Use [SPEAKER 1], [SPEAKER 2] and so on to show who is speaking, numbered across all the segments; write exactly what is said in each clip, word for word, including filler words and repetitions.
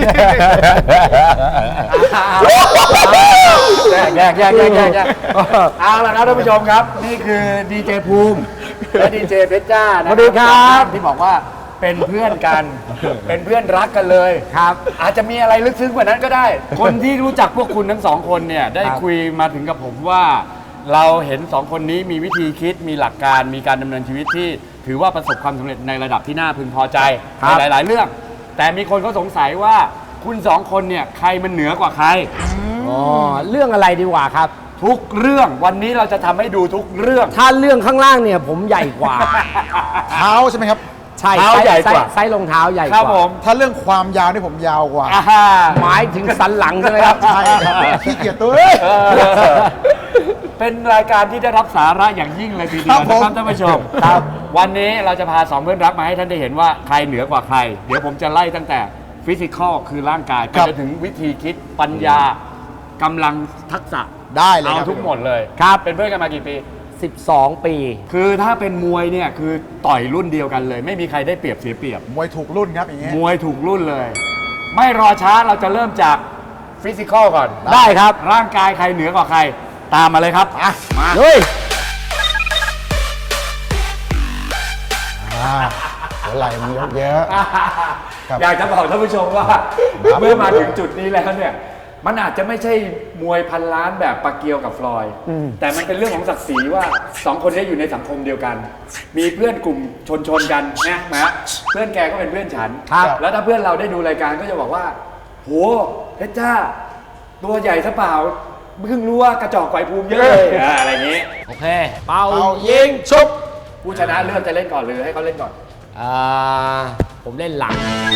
[SPEAKER 1] แยกแยกแยกแยกแยกแยกเอาละครับท่านผู้ชมครับนี่คือดีเจภูมิและดีเจเพชรจ้านะสวัสดีครับที่บอกว่าเป็นเพื่อนกันเป็นเพื่อนรักกันเลยครับอาจจะมีอะไรลึกซึ้งกว่านั้นก็ได้คนที่รู้จักพวกคุณทั้งสองคนเนี่ยได้คุยมาถึงกับผมว่าเราเห็นสองคนนี้มีวิธีคิดมีหลักการมีการดำเนินชีวิตที่ถือว่าประสบความสำเร็จในระดับที่น่าพึงพอใจในหลายๆเรื่องแต่มีคนเขาสงสัยว่าคุณสองคนเนี่ยใครมันเหนือกว่าใคร
[SPEAKER 2] อ๋อเรื่องอะไรดีกว่าครับ
[SPEAKER 1] ทุกเรื่องวันนี้เราจะทำให้ดูทุกเรื่อง
[SPEAKER 2] ถ้าเรื่องข้างล่างเนี่ยผมใหญ่กว่า
[SPEAKER 3] เท้าใช่ไหมครับ
[SPEAKER 2] ใช่เท้าใหญ่กว่าไซส์รองเท้าใหญ่กว่าครับ
[SPEAKER 3] ผมถ้าเรื่องความยาวนี่ผมยาวกว่า
[SPEAKER 2] หมายถึงสันหลังใช่ไหมครับ
[SPEAKER 3] ใช่ครับขี้เกียจตัว
[SPEAKER 1] เป็นรายการที่ได้รับสาระอย่างยิ่งเลยทีเดียวนะครับท่านผู้ชมครับวันนี้เราจะพาสองเพื่อนรักมาให้ท่านได้เห็นว่าใครเหนือกว่าใครเดี๋ยวผมจะไล่ตั้งแต่ฟิสิกอลคือร่างกายไปจนถึงวิธีคิดปัญญากำลังทักษะ
[SPEAKER 3] ได้เลย
[SPEAKER 1] เอาทุกหมดเลย
[SPEAKER 2] ครับ
[SPEAKER 1] เป็นเพื่อนกันมากี่ปี
[SPEAKER 2] สิบสองปี
[SPEAKER 1] คือถ้าเป็นมวยเนี่ยคือต่อยรุ่นเดียวกันเลยไม่มีใครได้เปรียบเสียเปรียบ
[SPEAKER 3] มวยถูกรุ่นครับอย่างเงี้ย
[SPEAKER 1] มวยถูกรุ่นเลยไม่รอช้าเราจะเริ่มจากฟิสิกอลก่อน
[SPEAKER 2] ได้ครับ
[SPEAKER 1] ร่างกายใครเหนือกว่าใครตามมาเลยครับ
[SPEAKER 2] มาเฮ้ย
[SPEAKER 3] หัวไหล่มันเยอะเยอะ
[SPEAKER 1] อยากจะบอกท่านผู้ชมว่าเมื่อมาถึงจุดนี้แล้วเนี่ยมันอาจจะไม่ใช่มวยพันล้านแบบปาเกียวกับฟลอยด์แต่มันเป็นเรื่องของศักดิ์ศรีว่าสองคนนี้อยู่ในสังคมเดียวกัน มีเพื่อนกลุ่มชนชนกันนะนะเพื่อนแกก็เป็นเพื่อนฉันแล้วถ้าเพื่อนเราได้ดูรายการก็จะบอกว่าโหเพชรจ้าตัวใหญ่ซะเปล่าเพิ่งรู้ว่ากระจอกไกวภูมิเยอะเลยอะไรอย่างนี้
[SPEAKER 2] โอเคเป่ายิงชุบ
[SPEAKER 1] ผู้ชนะเลือกจะเล่นก่อนหรือให้เขาเล่นก่อน
[SPEAKER 2] อ่าผมเล่นหลัง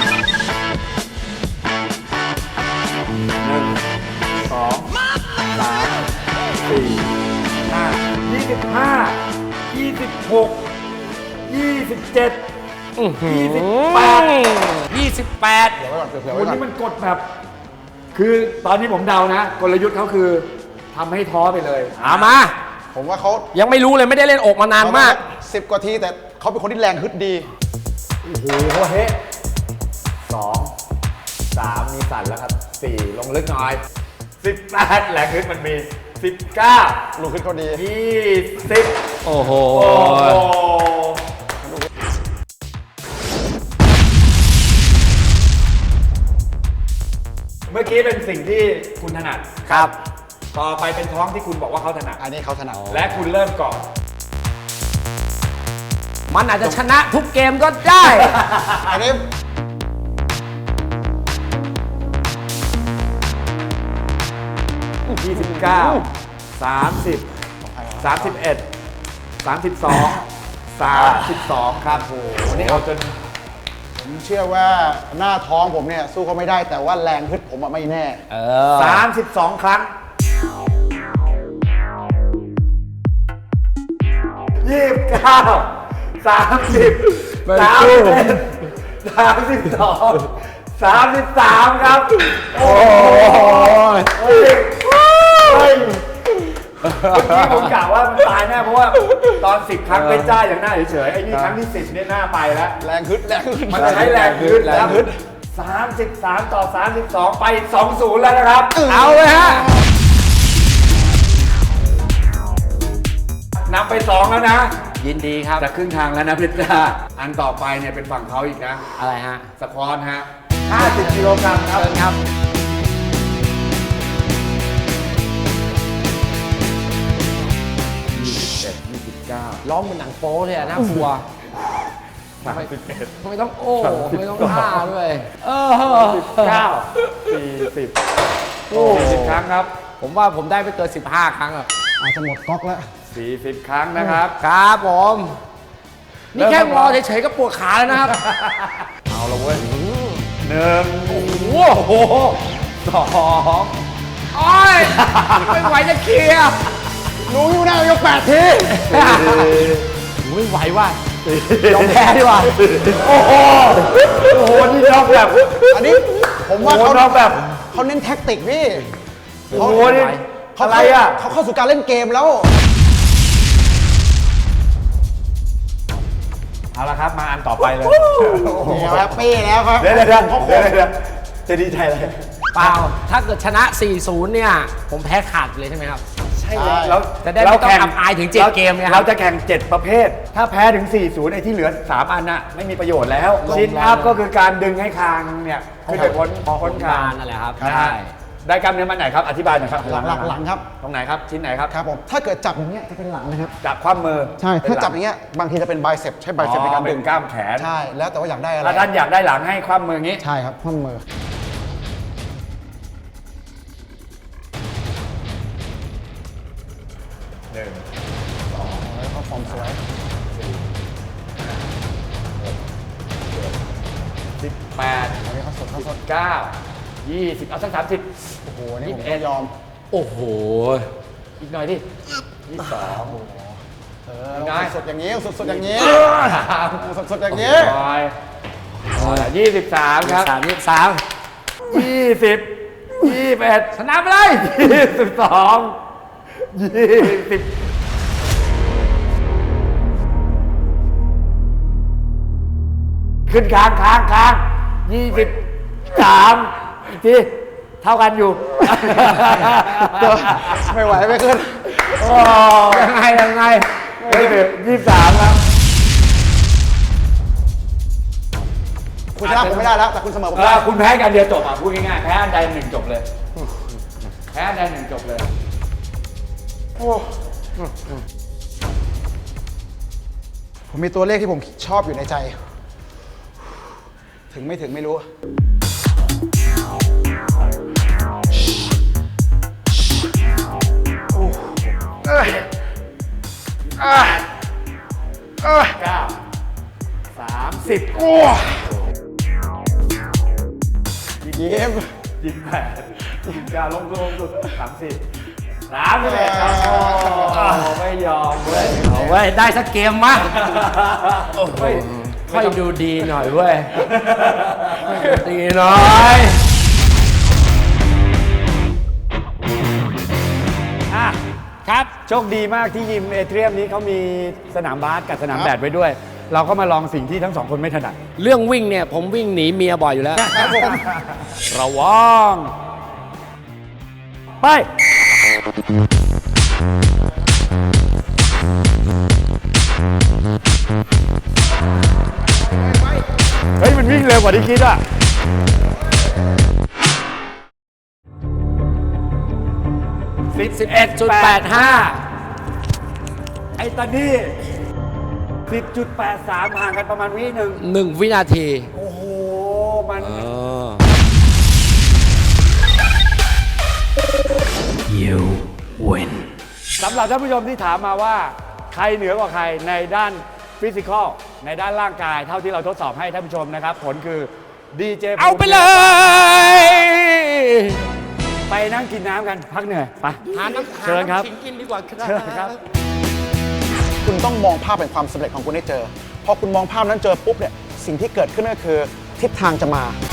[SPEAKER 1] หนึ่งสองสามสี่ห้ายี่สิบห้ายี่สิบหกยี่สิบเจ็ดยี่สิบแปด
[SPEAKER 2] ยี่สิบแปด
[SPEAKER 1] วันนี้มันกดแบบคือตอนนี้ผมเดานะกลยุทธ์เขาคือทำให้ท้อไปเลย
[SPEAKER 2] เอามา
[SPEAKER 3] ผมว่าเขา
[SPEAKER 2] ยังไม่รู้เลยไม่ได้เล่นอกมานานมาก
[SPEAKER 3] สิบกว่าทีแต่เขาเป็นคนที่แรงฮึดดี
[SPEAKER 1] โอ้โหเฮ้สองสามมีสั่นแล้วครับสี่ลงลึกหน่อยสิบแปดแรงฮึดมันมีสิบเก้า
[SPEAKER 3] ลูกขึ้นเขาดี
[SPEAKER 1] ยี่สิบ
[SPEAKER 2] โอ้โห
[SPEAKER 1] เมื่อกี้เป็นสิ่งที่คุณถนัด
[SPEAKER 2] ครับ
[SPEAKER 1] ต่อไปเป็นท้องที่คุณบอกว่าเขาถนัด
[SPEAKER 3] อันนี้เขาถนัด
[SPEAKER 1] และคุณเริ่มก่อน
[SPEAKER 2] มันอาจจะชนะทุกเกมก็ได้
[SPEAKER 3] อันนี้
[SPEAKER 1] ยี่สิบเก้า สามสิบ สามสิบเอ็ด สามสิบสอง สามสิบสองครับโอ้วันนี้เอาจน
[SPEAKER 3] ผมเชื่อว่าหน้าท้องผมเนี่ยสู้เขาไม่ได้แต่ว่าแรงฮึดผมไม่แน่
[SPEAKER 2] เออ
[SPEAKER 1] สามสิบสองครั้งยี่สิบเก้า สามสิบ สามสิบเอ็ด สามสิบสอง สามสิบสามครับโอ้ยเฮ้ยเฮ้ยเมื่อกี้ผมกล่าวว่ามันตายแน่เพราะว่าตอนสิบครั้งเป็นจ้าอย่างหน้าเฉยๆไอ้นี่ครั้งที่สิบเนี่ยหน้าไปแล้ว
[SPEAKER 3] แรงฮึดแรงฮึด
[SPEAKER 1] มันใช้แรงฮึดแล้วสามสิบสามต่อสามสิบสองไปสองศูนย์แล้วนะครับ
[SPEAKER 2] เอาเลยฮะ
[SPEAKER 1] นำไปสองแล้วนะ
[SPEAKER 2] ยินดีครับ
[SPEAKER 1] จะครึ่งทางแล้วนะเพชรจ้าอันต่อไปเนี่ยเป็นฝั่งเขาอีกนะ
[SPEAKER 2] อะไรฮะ
[SPEAKER 1] สควอตฮะห้าสิบกิโลกรัมครับ
[SPEAKER 2] ครับ
[SPEAKER 1] ยี่สิบเอ็ด ยี่สิบเก้า
[SPEAKER 2] ร้องเหมือนหนังโป๊เลยอะน่ากลัว
[SPEAKER 1] สามสิบเอ็ด
[SPEAKER 2] ไม่ต้องโอ้ไม่ต้องท่าด้วยเออ
[SPEAKER 1] สิบเก้า สี่สิบโอ้สิบครั้งครับ
[SPEAKER 2] ผมว่าผมได้ไปเกินสิบห้าครั้งอ่ะ
[SPEAKER 3] อาจจะหมดก๊อกแล้ว
[SPEAKER 1] สี่สิบครั้งนะครับ
[SPEAKER 2] ครับผมนี่แค่รอเฉยๆก็ปวดขาแล้วนะครับ
[SPEAKER 1] เอาละเว้ยหนึ่ง
[SPEAKER 2] โอ้โหสองโอ้ยไม่ไหวจะเคลียร์
[SPEAKER 3] รู้อยู่นะยกแปดที
[SPEAKER 2] ไม่ไหวว่ะยอมแพ้ดีกว่า
[SPEAKER 1] โอ้โหโอ้โหนี่น็อกแบบ
[SPEAKER 3] อันนี้ผมว่าเขาน็อกแบบเขาเน้นแท็กติกพี่
[SPEAKER 1] โอ้โหนี่อะไรอ่ะ
[SPEAKER 3] เขาเข้าสู่การเล่นเกมแล้ว
[SPEAKER 1] เอาละครับมาอันต่อไปเลย
[SPEAKER 3] แฮปปี้แล้วครับ
[SPEAKER 1] เดี๋ยวเดี๋ยวเดี๋ยวจะดีใจอะไร
[SPEAKER 2] เปล่า ถ้าเกิดชนะ สี่ศูนย์ เนี่ย ผมแพ้ขาดเลยใช่ไหมครับ
[SPEAKER 1] ใช่เลยแล้ว
[SPEAKER 2] จะได้ไม่ต้องอับอายถึงเจ็ดเกมเนี่ยครับ
[SPEAKER 1] เราจะแข่งเจ็ดประเภท ถ้าแพ้ถึง สี่ศูนย์ ไอ้ที่เหลือ สาม อันน่ะไม่มีประโยชน์แล้วซิทอัพก็คือการดึงให้คางเนี่ยขึ้นไปพ้นพ้นคาง
[SPEAKER 2] นั่นแหละครับ
[SPEAKER 1] ได้
[SPEAKER 2] ใช่
[SPEAKER 1] ได้กล้ามเนื้อมันไหนครับ อธิบายหน่อยครับ
[SPEAKER 3] หลังหลังหลังครับ
[SPEAKER 1] ตรงไหนครับ ชิ้นไหนครับ
[SPEAKER 3] ครับผมถ้าเกิดจับอย่างเงี้ยจะเป็นหลังนะครับ
[SPEAKER 1] จับคว่ำมือ
[SPEAKER 3] ใช่
[SPEAKER 1] เป็น
[SPEAKER 3] ถ้า
[SPEAKER 1] หลั
[SPEAKER 3] จับอย่างเงี้ยบางทีจะเป็นไบเซปใช้ไบเซปในการ
[SPEAKER 1] เป็
[SPEAKER 3] ดึ
[SPEAKER 1] น
[SPEAKER 3] ง
[SPEAKER 1] กล้ามแขน
[SPEAKER 3] ใช่แล้วแต่ว่าอยากได้อะไร
[SPEAKER 1] ถ้าท่านอยากได้หลังให้คว่ำมืออย่างนี้
[SPEAKER 3] ใช่ครับข้อมือ
[SPEAKER 1] หนึ่ง
[SPEAKER 3] แล้วก็ฟอร์มสวย
[SPEAKER 1] สิบแปด
[SPEAKER 3] อันนี้เขาสดเขาสด
[SPEAKER 1] เก้ายี่สิบเอาสักสามสิบ
[SPEAKER 3] โอ้โหอันนี่ผม
[SPEAKER 1] ยี่สิบเอ็
[SPEAKER 3] ก็
[SPEAKER 1] ด
[SPEAKER 3] ยอม
[SPEAKER 2] โอ้โห
[SPEAKER 1] อีกหน่อยดิยี่สิบสอง
[SPEAKER 3] เออสดๆอย่างนี้สดๆอย่างนี้สดๆอย่าง
[SPEAKER 1] ยี่
[SPEAKER 3] นี้
[SPEAKER 1] ยี่สิบสามครับ
[SPEAKER 2] สามยี่สาม
[SPEAKER 1] ยี่สิบยี่สิบเอ็ดชนะไปเลยยี่สิบสองยี่สิบขึ้นค้างค้างค้างยี่สิบสามอีกทีเท่ากันอยู่
[SPEAKER 3] ไม่ไหวไม่ขึ้น
[SPEAKER 1] โอ้ยังไงยังไงเฮ้ยยี่สิบสามครับ
[SPEAKER 3] คุณชนะผมไม่ได้แล้ว แต่คุณเสมอผม
[SPEAKER 1] เอ
[SPEAKER 3] ได้
[SPEAKER 1] อคุณแพ้กันเดียวจบอ่ะพูดง่ายๆแพ้อันใดหนึ่งจบเลย แพ้อันใดหนึ่งจบเลย
[SPEAKER 3] ผมมีตัวเลขที่ผมชอบอยู่ในใจ ถึงไม่ถึงไม่รู้
[SPEAKER 1] เก้าสามสิบ
[SPEAKER 3] โอ้ยิ้ม
[SPEAKER 1] ยี่สิบแปดยี่สิบเก้าลงลงสุดสามสิบสามสิบเอ็ดครับโอ้ไม่ยอมเว้ย
[SPEAKER 2] เอาไว้ยได้สักเกมมา
[SPEAKER 1] เฮ้ย
[SPEAKER 2] ค่อยดูดีหน่อยเว้ยค่อยดูดีหน่อย
[SPEAKER 1] อ่ะ
[SPEAKER 2] ครับ
[SPEAKER 1] โชคดีมากที่ยิมเอเทรียมนี้เขามีสนามบาสกับสนามแบดไว้ด้วย เราก็มาลองสิ่งที่ทั้งสองคนไม่ถนัด
[SPEAKER 2] เรื่องวิ่งเนี่ย ผมวิ่งหนีเมียบ่อยอยู่แล้ว
[SPEAKER 3] ครับผม
[SPEAKER 1] ระวังไป เฮ้ย มันวิ่งเร็วกว่าที่คิดอ่ะ
[SPEAKER 2] สิบเอ็ดจุดแปดห้า
[SPEAKER 1] ไอ้ตอนนี้ สิบจุดแปดสาม ห่างกันประมาณวิหนึ่ง
[SPEAKER 2] หนึ่งวินาที
[SPEAKER 1] โอ้โห มัน
[SPEAKER 2] เออ
[SPEAKER 1] สำหรับท่านผู้ชมที่ถามมาว่า ใครเหนือกว่าใครในด้านฟิสิกอลในด้านร่างกาย เท่าที่เราทดสอบให้ท่านผู้ชมนะครับ ผลคือดีเจ
[SPEAKER 2] เอาไปเลย
[SPEAKER 1] ไปนั่งกินน้ำกันพักเหนื่อยไป
[SPEAKER 2] หาน้ำ
[SPEAKER 1] เชิญครับ
[SPEAKER 2] หาน้ำขิงกินดีกว่าค
[SPEAKER 1] เชิญค
[SPEAKER 2] รั
[SPEAKER 1] รั
[SPEAKER 2] บบ
[SPEAKER 3] คุณต้องมองภาพเป็นความสำเร็จของคุณให้เจอ พอคุณมองภาพนั้นเจอปุ๊บเนี่ย สิ่งที่เกิดขึ้นก็คือทิศทางจะมา